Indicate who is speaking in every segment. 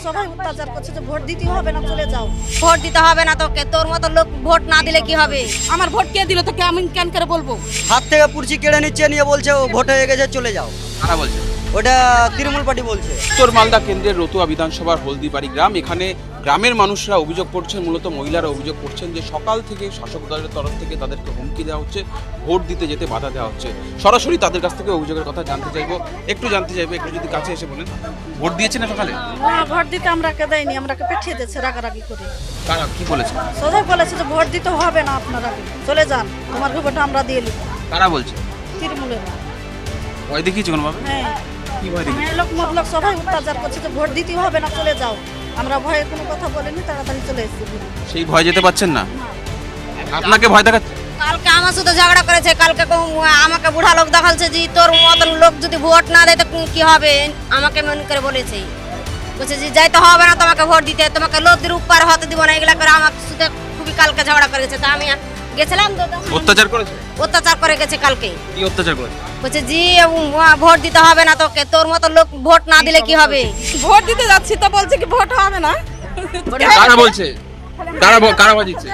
Speaker 1: সবাই অত্যাচার করছে যে ভোট দিতে হবে না, চলে যাও।
Speaker 2: ভোট দিতে হবে না তোকে, তোর মতো লোক ভোট না দিলে কি হবে?
Speaker 3: আমার ভোট কে দিল তোকে আমি কেন করে বলবো?
Speaker 4: হাত থেকে পুরছি কেড়ে নিচ্ছে, নিয়ে বলছে ও ভোট হয়ে গেছে চলে যাও।
Speaker 5: কারা বলছে?
Speaker 4: ওটা তৃণমূল পার্টি বলছে।
Speaker 5: উত্তর মালদা কেন্দ্রের রতুয়া বিধানসভার হলদিবাড়ি গ্রাম, এখানে গ্রামের মানুষরা অভিযোগ করছেন, মূলত মহিলারা অভিযোগ করছেন যে সকাল থেকে শাসক দলের তরফ থেকে তাদেরকে হুমকি দেওয়া হচ্ছে, ভোট দিতে যেতে বাধা দেওয়া হচ্ছে। সরাসরি তাদের কাছ থেকে অভিযোগের কথা জানতে চাইবো, একটু যদি কাছে এসে বলেন। ভোট দিয়েছেন না সকালে?
Speaker 1: না, ভোট দিতে আমরাকে দেয়নি, আমরাকে পাঠিয়ে দিচ্ছে রাগারাগি করে।
Speaker 5: কারা কি বলেছে?
Speaker 1: সোজা বলেছে যে ভোট দিতে হবে না, আপনারা চলে যান, তোমার ভোট আমরা দিয়ে নিব।
Speaker 5: কারা বলছে?
Speaker 1: তৃণমূলের।
Speaker 5: ভয় দেখিয়েছে কোনোভাবে?
Speaker 1: হ্যাঁ,
Speaker 5: কি ভয় দেখিয়েছে?
Speaker 1: মেয়ে লোক মতলব সবাই অত্যাচার করছে যে ভোট দিতে হবে না, চলে যাও। আমরা ভয়ে কোনো কথা বলিনি, তাড়াতাড়ি চলে এসেছি।
Speaker 5: সেই ভয় যেতে পারছেন না? আপনাকে ভয় দেখাচ্ছে?
Speaker 2: কালকে আমার সাথে ঝগড়া করেছে, কালকে আমাকে বুড়া লোক দেখাচ্ছে যে তোর মতন লোক যদি ভোট না দেয় তো কি হবে, আমাকে মনে করে বলেছে। বলছে যে যাইতে হবে না তোমাকে ভোট দিতে, তোমাকে লদির উপর হতে দিব না, এগুলা করে আমার সাথে খুবই কালকে ঝগড়া করেছে। তা আমি গেছিলাম,
Speaker 5: অত্যাচার করেছে?
Speaker 2: অত্যাচার করে গেছে কালকে।
Speaker 5: কি অত্যাচার করেছে?
Speaker 2: বলছে জি ভোট দিতে হবে না তোকে, তোর মতো লোক ভোট না দিলে কি হবে?
Speaker 3: ভোট দিতে যাচ্ছি তো বলছে কি ভোট হবে না।
Speaker 5: কারা বলছে? কারা ভয় দিচ্ছে?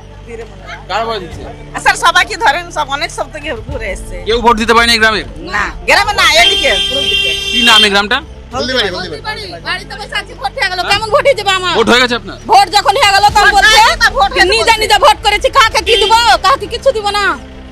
Speaker 5: কারা ভয় দিচ্ছে?
Speaker 6: স্যার সবাইকে ধরেন, সব অনেক সব থেকে ঘুরে এসছে।
Speaker 5: কেউ ভোট দিতে পারেনি গ্রামে?
Speaker 6: না গ্রামে না, এদিকে পুরো দিকে।
Speaker 5: কি নাম এই গ্রামটা?
Speaker 3: বাড়িতে বসে আছি, ভোট হয়ে গেল, কেমন ভোট হয়ে যাবে আমার?
Speaker 5: ভোট হয়ে গেছে আপনার?
Speaker 3: ভোট যখন হয়ে গেল তখন বলছে
Speaker 6: ভোট
Speaker 3: নিজে নিজে ভোট করেছি, কাকে কি দিব, কাকে কিছু দিব না।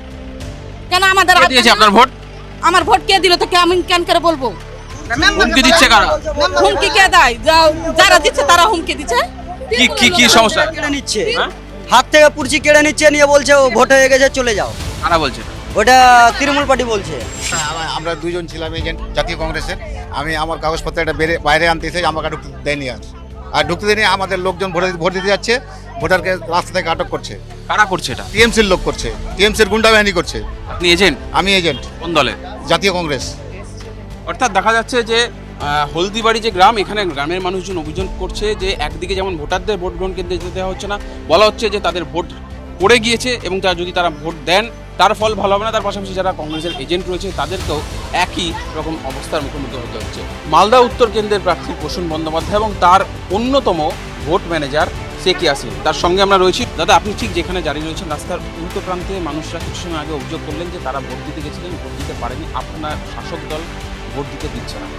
Speaker 3: কেন আমাদের
Speaker 5: কে দিয়েছে আপনার ভোট?
Speaker 3: আমার ভোট কে দিল তোকে আমি কেন করে বলবো?
Speaker 5: হুমকি দিচ্ছে কারা?
Speaker 3: হুমকি কে দেয়? যারা দিচ্ছে তারা হুমকি দিচ্ছে।
Speaker 5: কি সমস্যা?
Speaker 4: কেড়ে নিচ্ছে, হাত থেকে পুরছি কেড়ে নিচ্ছে, নিয়ে বলছে ও ভোট হয়ে গেছে চলে যাও।
Speaker 5: কারা বলছে?
Speaker 4: ওটা তৃণমূল পার্টি বলছে।
Speaker 7: আমরা দুইজন ছিলাম এজেন্ট জাতীয় কংগ্রেসের। আমি আমার কাগজপত্র একটা বাইরে আনতে এসে আমাকে ঢুকতে দেয়নি, আর ঢুকতে দেয়নি। আমাদের লোকজন ভোট দিতে যাচ্ছে, ভোটারকে রাস্তা থেকে আটক করছে।
Speaker 5: কারা করছে এটা?
Speaker 7: টিএমসির লোক করছে, টিএমসির গুন্ডা বাহিনী করছে।
Speaker 5: আপনি এজেন্ট?
Speaker 7: আমি এজেন্ট
Speaker 5: কোন দলের?
Speaker 7: জাতীয় কংগ্রেস।
Speaker 5: অর্থাৎ দেখা যাচ্ছে যে হলদিবাড়ি যে গ্রাম, এখানে গ্রামের মানুষজন অভিযোগ করছে যে একদিকে যেমন ভোটারদের ভোট গ্রহণ কেন্দ্রে যেতে দেওয়া হচ্ছে না, বলা হচ্ছে যে তাদের ভোট পড়ে গিয়েছে এবং যদি তারা ভোট দেন তার ফল ভালো হবে না। তার পাশাপাশি যারা কংগ্রেসের এজেন্ট রয়েছে তাদেরকেও একই রকম অবস্থার মুখোমুখি হতে হচ্ছে। মালদা উত্তর কেন্দ্রের প্রার্থী প্রসূন বন্দ্যোপাধ্যায় এবং তার অন্যতম ভোট ম্যানেজার শেখ ইয়াসিন, তার সঙ্গে আমরা রয়েছি। দাদা, আপনি ঠিক যেখানে দাঁড়িয়ে রয়েছেন রাস্তার উল্টো প্রান্তে মানুষরা কিছু সময় আগে অভিযোগ করলেন যে তারা ভোট দিতে গেছিলেন, ভোট দিতে পারেনি, আপনার শাসক দল ভোট দিতে দিচ্ছে না।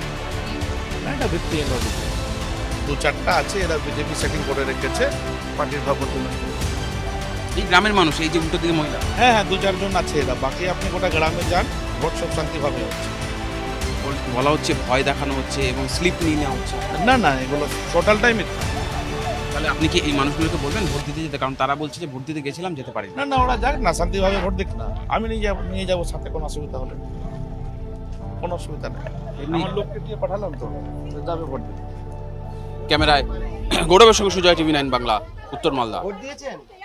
Speaker 8: এটা ভিত্তিহীন অভিযোগ। দু চারটা আছে, এরা বিজেপি সেটিং করে রেখেছে পার্টির ভাবমূর্তি।
Speaker 5: এই গ্রামের মানুষ, এই যে উল্টো দিকে মহিলা,
Speaker 8: হ্যাঁ দু চারজন আছে এরা, বাকি আপনি গোটা গ্রামে যান, ভোট সব শান্তিভাবে হচ্ছে।
Speaker 5: বলা হচ্ছে ভয় দেখানো হচ্ছে এবং স্লিপ নিয়ে নেওয়া হচ্ছে।
Speaker 8: না এগুলো টোটালটাই মিথ্যা।
Speaker 5: তাহলে আপনি কি এই মানুষগুলোকে বলবেন ভোট দিতে যেতে? কারণ তারা বলছে যে ভোট দিতে গেছিলাম, যেতে পারি
Speaker 8: না ওরা যাক না, শান্তিভাবে ভোট দিক না। আমি নিয়ে যাবো সাথে, কোনো অসুবিধা হলে কোনো অসুবিধা নেই। আমার লোককে দিয়ে পাঠালাম তো, যাবে ভোট দিতে।
Speaker 5: ক্যামেরায় গৌরবের সঙ্গে সুজয়, টিভি 9 বাংলা, উত্তর মালদা।
Speaker 4: ভোট দিয়েছেন?